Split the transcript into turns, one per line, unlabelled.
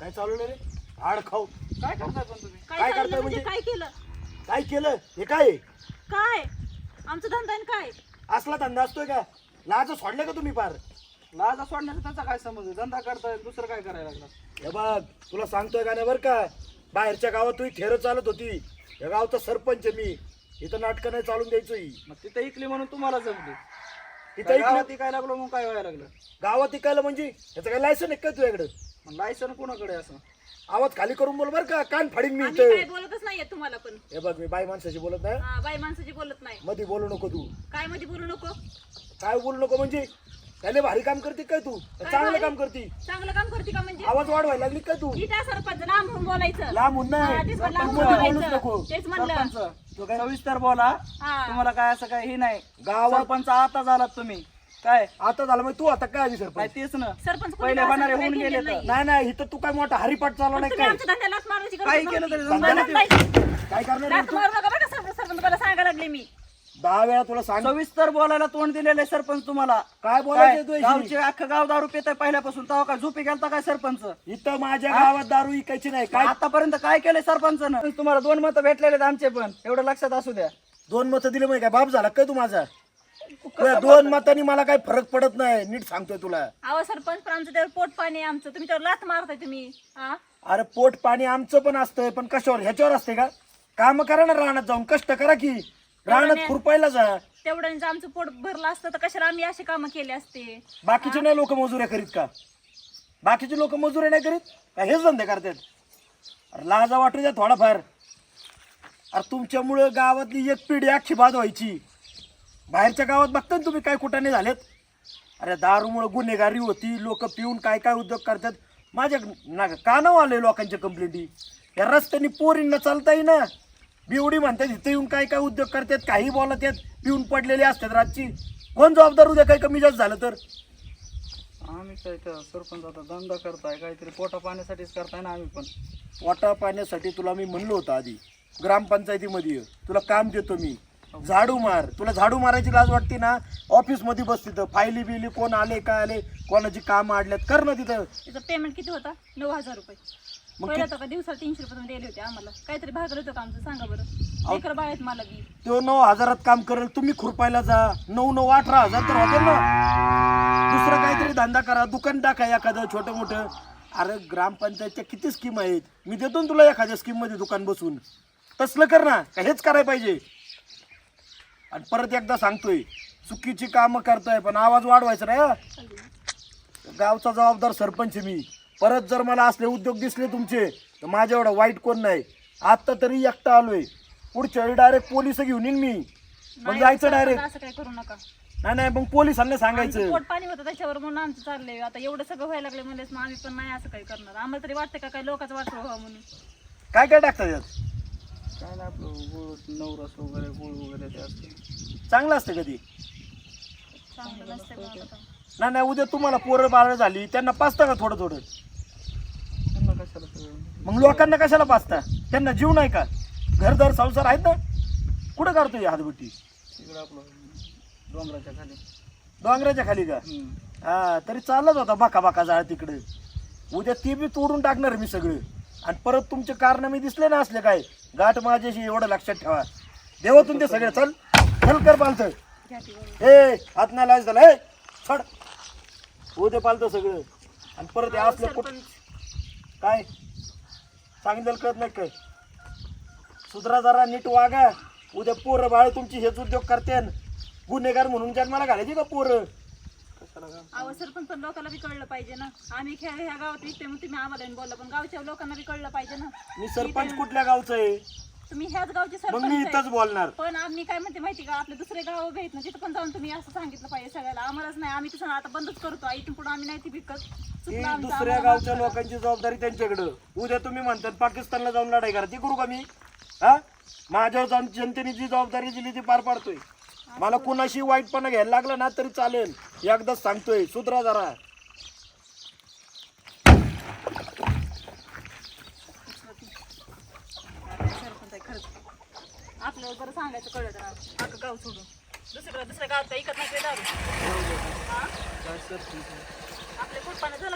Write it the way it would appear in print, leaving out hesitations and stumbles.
काय चालवलं रे? हाड खाऊ.
काय करताय पण तुम्ही?
काय करताय म्हणजे?
काय केलं?
काय केलं हे? काय
काय आमचं धंदा आहे काय?
असला धंदा असतोय का? लाज सोडले का तुम्ही पार?
लाजा सोडण्याचा त्याचा काय समज आहे? धंदा करताय दुसरं काय करायला लागला?
हे बघ तुला सांगतोय का नाही बरं का, बाहेरच्या गावात तुही थेर चालत होती, या गावचा सरपंच आहे मी, इथं नाटकं नाही चालून द्यायचो ही.
मग तिथे इकली म्हणून तुम्हाला जमली.
तिथं
गावात काय लागलो मग काय व्हायला लागलं?
गावात इकायला म्हणजे याचं काय लायसन आहे का तुझ्याकडं?
मग लायसन कोणाकडे असं?
आवाज खाली करून बोल बरं का, कान फाडीन मी
आम्ही काय
इथं.
बोलतच नाहीये तुम्हाला पण.
हे बघ मी बाई माणसाशी बोलत नाही,
हा, बाई माणसाची बोलत नाही.
मध्ये बोलू नको तू.
काय मध्ये बोलू नको?
काय बोलू नको म्हणजे? त्याले भारी काम करते काय तू? चांगलं
भारी?
काम करते?
चांगलं काम करते का म्हणजे?
आवाज वाढवायला लागली काय तू?
इथं सरपंच लांब होऊन बोलायचं.
लांब होऊन नाही.
हा, तेच म्हणलं, लांब
मध्ये
होऊन
बोलूच
बोलायचं.
नको.
तेच म्हणलं.
सरपंच तो काय सविस्तर बोला.
हा.
तुम्हाला काय असं काय हे नाही.
गावात
सरपंच आता झालात तुम्ही. काय
आता झालं मग तू आता काय आधी
काय
सरपंच?
तेच ना.
सरपंच कोणी
पहिले
असं
होणारे
काय
होऊन
केलेलं
गेले तर.
नाही.
नाही नाही इथं तू काय मोठा हरिपाठ चालवला
पण
नाही
तुम्ही
काय?
आमच्या धंद्यालाच मारायची गरज
काही
नव्हती.
केलं तरी
धंदा
जमणार
नाही.
नाही.
काय करणार
लाथ
आहे तू?
मारू नका बरं का सरपंच तुम्हाला सांगायला लागले मी.
10 वेळा तुला सांग.
सविस्तर बोलायला तोंड दिलेले सरपंच तुम्हाला.
काय
काय?
बोलायचं तू
गावचे अख्खं गाव दारू पिताय पहिल्यापासून. तेव्हा काय झोपी गेलता काय सरपंच?
इथं माझ्या गावात दारू इकायची नाही काय?
आतापर्यंत काय केलंय सरपंचानं? तुम्हाला 2 मतं भेटलेले आहेत आमचे पण, एवढं लक्षात असू द्या.
2 मतं दिले म्हणजे काय बाप झाला काय तू माझा? तुला 2 मतांनी मला काही फरक पडत नाही, नीट सांगतोय तुला.
अहो सरपंच पण आमचं त्यावर पोट पाणी आहे आमचं. तुम्ही त्यावर लाथ मारताय तुम्ही. हा?
अरे पोट पाणी आमचं पण असतंय, पण कशावर? ह्याच्यावर असते का? काम करा ना, रानात जाऊन कष्ट करा की. रानात खुरपायला जा.
तेवढं जर आमचं पोट भरलं असतं तर कशाला आम्ही अशी कामं केली असते?
बाकीचे नाही लोक मजुऱ्या करीत का? बाकीचे लोक मजुऱ्या नाही करीत का? हेच धंदे करतात. अरे लाजा वाटू द्या थोडाफार. अरे तुमच्यामुळं गावातली एक पिढी अख्खी बाद व्हायची. बाहेरच्या गावात बघता ना तुम्ही काय कुठाने झालेत. अरे दारूमुळे गुन्हेगारी होती, लोक पिऊन काय काय उद्योग करतात. माझ्या कानावर आले लोकांच्या कंप्लेंटी. या रस्त्याने पोरींना चालता येईना, बिवडी म्हणतात, इथे येऊन काय काय उद्योग करतात, काही बोलत आहेत, पिऊन पडलेले असतात रातची. कोण जबाबदार उद्या काही कमी जास्त झालं तर?
आम्ही काय तर सरपंच आता धंदा करताय, काहीतरी पोटा पाण्यासाठीच करताय ना आम्ही पण.
पोटा पाण्यासाठी तुला मी म्हणलो होतं आधी, ग्रामपंचायतीमध्ये ये, तुला काम देतो मी. झाडू मार. तुला झाडू मारायची लाज वाटते ना? ऑफिस मध्ये बस, तिथं फायली बिली कोण आले काय आले, कोणाची काम आडल्यात, कर ना तिथं.
तिचं पेमेंट किती होता? 9,000 रुपये.
मग
पहिला तर का दिवसाला 300 रुपये दिले होते आम्हाला. काहीतरी भागलं होतं का आमचं? सांगा बरं. लेकर बाळ आहेत मला बी.
तो 9,000 काम करेल, तुम्ही खुरपायला जा. 9,918,000 तर होते ना. दुसरं काहीतरी धंदा करा, दुकान टाका एखादं छोटं मोठं. अरे ग्रामपंचायतच्या किती स्कीम आहेत, मी देतो ना तुला एखाद्या स्कीम मध्ये दुकान बसून. तसलं कर ना, का हेच करायला पाहिजे? आणि परत एकदा सांगतोय, चुकीची कामं करताय पण आवाज वाढवायचा नाही हं. गावचा जबाबदार सरपंच आहे मी. परत जर मला असले उद्योग दिसले तुमचे तर माझ्या एवढा वाईट कोण नाही. आता तरी एकटा आलोय, पुढच्या वेळी डायरेक्ट पोलिस घेऊन येईन मी. मग
नाही,
जायचं
सरपंच
डायरेक्ट.
असं काय करू नका.
नाही नाही मग पोलिसांना
आमचं
सांगायचं.
पोट पाणी होतं त्याच्यावर म्हणून आमचं चाललंय. आता एवढं सगळं व्हायला लागलं म्हणलेच मग आम्ही पण नाही असं काही करणार. आम्हाला तरी वाटतं का काय लोकांचं वाटलं व्हावं म्हणून.
काय काय टाकतात यात?
काय ना आपलं गुळ नवरस वगैरे गुळ वगैरे ते असते.
चांगलं असतं कधी?
चांगलं नसतंय मग आता.
नाही नाही उद्या तुम्हाला पोरं बाळ झाली त्यांना पाचता का थोडं थोडं?
त्यांना कशाला सगळं?
मग लोकांना कशाला पाचता? त्यांना जीव नाही का? घरदार संसार आहेत ना. कुठं काढतोय हातबुट्टी?
तिकडं आपलं डोंगराच्या खाली.
डोंगराच्या खाली का? हा तरी चालत होता बाका बाका जाळ तिकडे. उद्या ती बी तोडून टाकणार मी सगळं. आणि परत तुमचे कारनामे दिसले ना असले काय, गाठ माझ्याशी, एवढं लक्षात ठेवा. देवातून ते सगळे. चल चल कर पालतं.
घ्या ती बरोबर.
ए हात नाही लाज झाला. ए छड. उद्या पालतं सगळं. आणि परत हे
अहो,
असलं कुठं
सरपंच
काय सांगितलं कळत नाही काय? सुधरा जरा, नीट वागा. उद्या पोरं बाळ तुमची हेच उद्योग करते. गुन्हेगार म्हणून जन्माला घालायची का पोरं?
अहो सरपंच पण लोकांना बी कळलं पाहिजे ना. आम्ही ह्या गावात विकते मग तुम्ही आम्हाला येऊन बोलला, पण गावच्या लोकांना बी कळलं पाहिजे ना.
मी सरपंच कुठल्या गावचं आहे?
तुम्ही ह्याच गावचे
मग मी
सरपंच
इथंच
आहे.
बोलणार.
पण आम्ही काय म्हणते माहिती का, आपले दुसरे गाव भेट ना तिथं पण जाऊन तुम्ही असं सांगितलं पाहिजे सगळ्याला. आम्हालाच नाही, आम्ही तसं आता बंदच करतो. इथून पुढे आम्ही नाही ती विकत.
ती
चुकलं आमचं,
दुसऱ्या
आम्हाला
गावच्या
माफ करा.
लोकांची जबाबदारी त्यांच्याकडं. उद्या तुम्ही म्हणतात पाकिस्तानला जाऊन लढाई करा, ती करू का मी? हा माझ्यावर जाऊन जनतेने जी जबाबदारी दिली ती पार पाडतोय. मला कुणाशी वाईटपणा घ्यायला लागला ना तरी चालेल. एकदाच सांगतोय, सुधरा जरा.
सरपंच आहे खरंच. आपल्याला बरं सांगायचं कळलं तर अख्खं गाव सोडून दुसऱ्या गावात काही इकत नाही दारू.
काय सरपंच?
आपल्या पोटपानं